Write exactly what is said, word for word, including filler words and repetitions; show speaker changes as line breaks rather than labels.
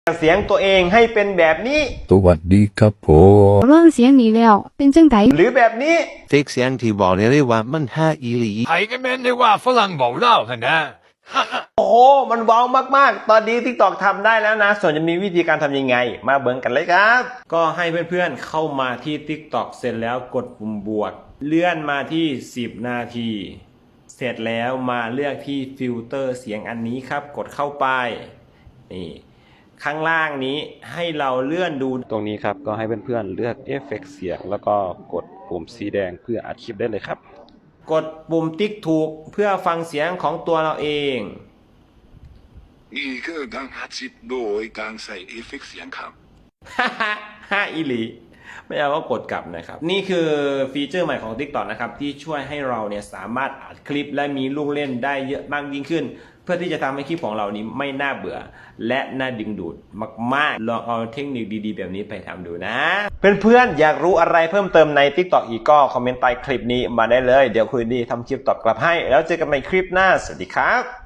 เสียงตัวเองให้เป็นแบบนี้
สวัสดีครับผม
เริ่มเสียงนี้แล้วเป็นจังได
หรือแบบนี้
ฟิกเสียงที่บอกได้ว่ามันห้าอีหลี
係嘅咩？你話ฝรั่ง冇撈係咪？
โอ้โหมันว้าวมากๆตอนนี้ TikTok ทำได้แล้วนะส่วนจะมีวิธีการทำยังไงมาเบิ่งกันเลยครับก็ให้เพื่อนๆเข้ามาที่ TikTok เสร็จแล้วกดปุ่มบวกเลื่อนมาที่สิบนาทีเสร็จแล้วมาเลือกที่ฟิลเตอร์เสียงอันนี้ครับกดเข้าไปนี่ข้างล่างนี้ให้เราเลื่อนดูตรงนี้ครับก็ให้เพื่อนๆเลือกเอฟเฟกต์เสียงแล้วก็กดปุ่มสีแดงเพื่ออัดคลิปได้เลยครับกดปุ่มติ๊กถูกเพื่อฟังเสียงของตัวเราเอง
นี่คือการอัดคลิปโดยการใส่เอฟเฟกต์เสียงครับ
ฮ่าฮ่าฮ่าอีหลีไม่เอาก็กดกลับนะครับนี่คือฟีเจอร์ใหม่ของ TikTok นะครับที่ช่วยให้เราเนี่ยสามารถอัดคลิปและมีลูกเล่นได้เยอะมากยิ่งขึ้นเพื่อที่จะทำให้คลิปของเรานี้ไม่น่าเบื่อและน่าดึงดูดมากๆลองเอาเทคนิคดีๆแบบนี้ไปทำดูนะเพื่อนๆอยากรู้อะไรเพิ่มเติมใน TikTok อีกก็คอมเมนต์ใต้คลิปนี้มาได้เลยเดี๋ยวคุยดีทำคลิปตอบกลับให้แล้วเจอกันใหม่คลิปหน้าสวัสดีครับ